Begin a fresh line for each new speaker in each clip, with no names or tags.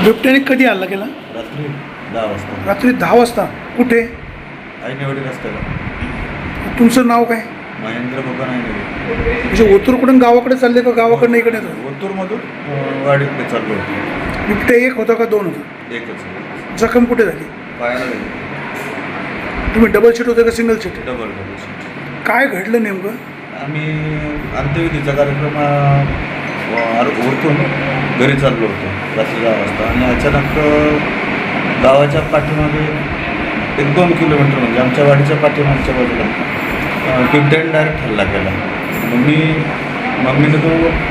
बिबट्याने कधी हल्ला केला?
रात्री 10 वाजता
रात्री 10 वाजता. कुठे?
आईनेवाडी रस्त्याला.
तुमचं नाव काय?
महेंद्र बबन आईनेवाडी.
म्हणजे ओतूरकडून गावाकडे चालले का गावाकडनं इकडे येतो?
ओतूरमधून वाडीकडे चाललो होतो.
बिबट्या एक होता का दोन होता?
एकच
जखम कुठे झाली?
पायाला गेलो.
तुम्ही डबल सीट होते का सिंगल सीट?
डबल.
काय घडलं नेमकं?
आम्ही अंत्यविधीचा कार्यक्रम उरकून घरी चाललो होतो रात्री 10 वाजता आणि अचानक गावाच्या पाठीमागे 1-2 किलोमीटर म्हणजे आमच्या वाडीच्या पाठीमागच्या बाजूला बिबट्याने डायरेक्ट हल्ला केला. मम्मीने तो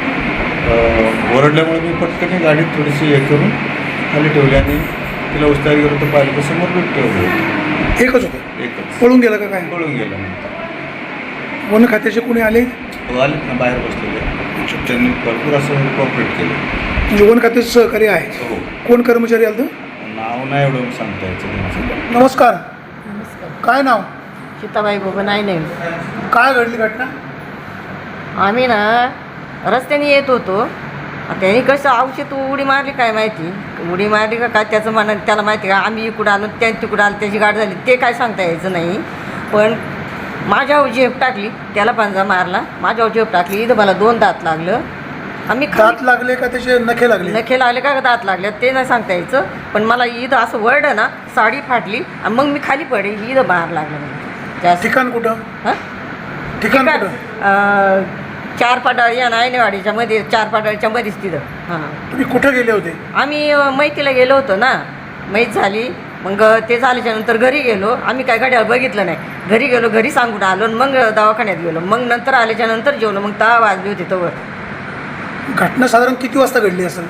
ओरडल्यामुळे मी पटकन गाडीत थोडीशी हे करून खाली ठेवली आणि तिला उचलायला गेलो तर पाहिलं तर समोर बिबटे होते.
एकच होतं?
एकच.
पळून गेला का काय?
पळून गेला नंतर.
वन खात्याचे कोणी आले?
आलेत ना बाहेर बसलेले. त्यांनी भरपूर असं कॉपरेट केलं.
म्हणजे वन खात्याचे सहकारी आहे?
हो.
कोण कर्मचारी आलं?
नाव नाही एवढं सांगता यायचं त्यांचं.
नमस्कार.
नमस्कार.
काय नाव?
सीताबाई बबन आहे नाही.
काय घडली घटना?
आम्ही ना रस्त्याने येत होतो. त्यांनी कसं औषध उडी मारली काय माहिती, उडी मारली का काय त्याचं म्हणा त्याला माहिती का. आम्ही इकडं आलो त्या तिकडं आलो त्याची गाठ झाली ते काय सांगता यायचं नाही. पण माझ्यावर झेप टाकली, त्याला पंजा मारला, माझ्यावर झेप टाकली. इथं मला 2 दात लागलं. आम्ही
दात लागले का त्याचे नखे लागले?
नखे लागले का दात लागले ते नाही सांगता यायचं. पण मला इथं असं वरडं ना, साडी फाटली आणि मग मी खाली पडे. इथं बाहेर लागलं मला जास्त.
ठिकाण कुठं?
हां
ठिकाण कुठं?
4 पाटाळी आणि आयनेवाडीच्या मध्ये 4 पाटाळीच्या मध्येच तिथं. हां
तुम्ही कुठं गेले होते?
आम्ही मैतीला गेलो होतो ना, मैत झाली. मग ते झाल्याच्यानंतर घरी गेलो. आम्ही काय घड्याळ बघितलं नाही. घरी गेलो, घरी सांगून आलो आणि मग दवाखान्यात गेलो. मग नंतर आल्याच्यानंतर जेवलो. मग 10 वाजले होते तोवर.
घटना साधारण किती वाजता घडली असेल?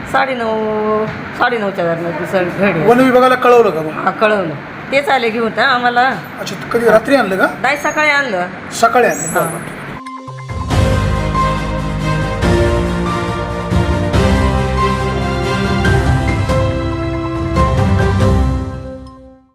9:30च्या दरम्यान सर घडी.
वन विभागाला कळवलं का मग?
हां कळवलं. तेच आले घेऊन आम्हाला.
अच्छा, कधी रात्री आणलं का?
नाही सकाळी आणलं.
सकाळी आणलं.
हां.
बरं.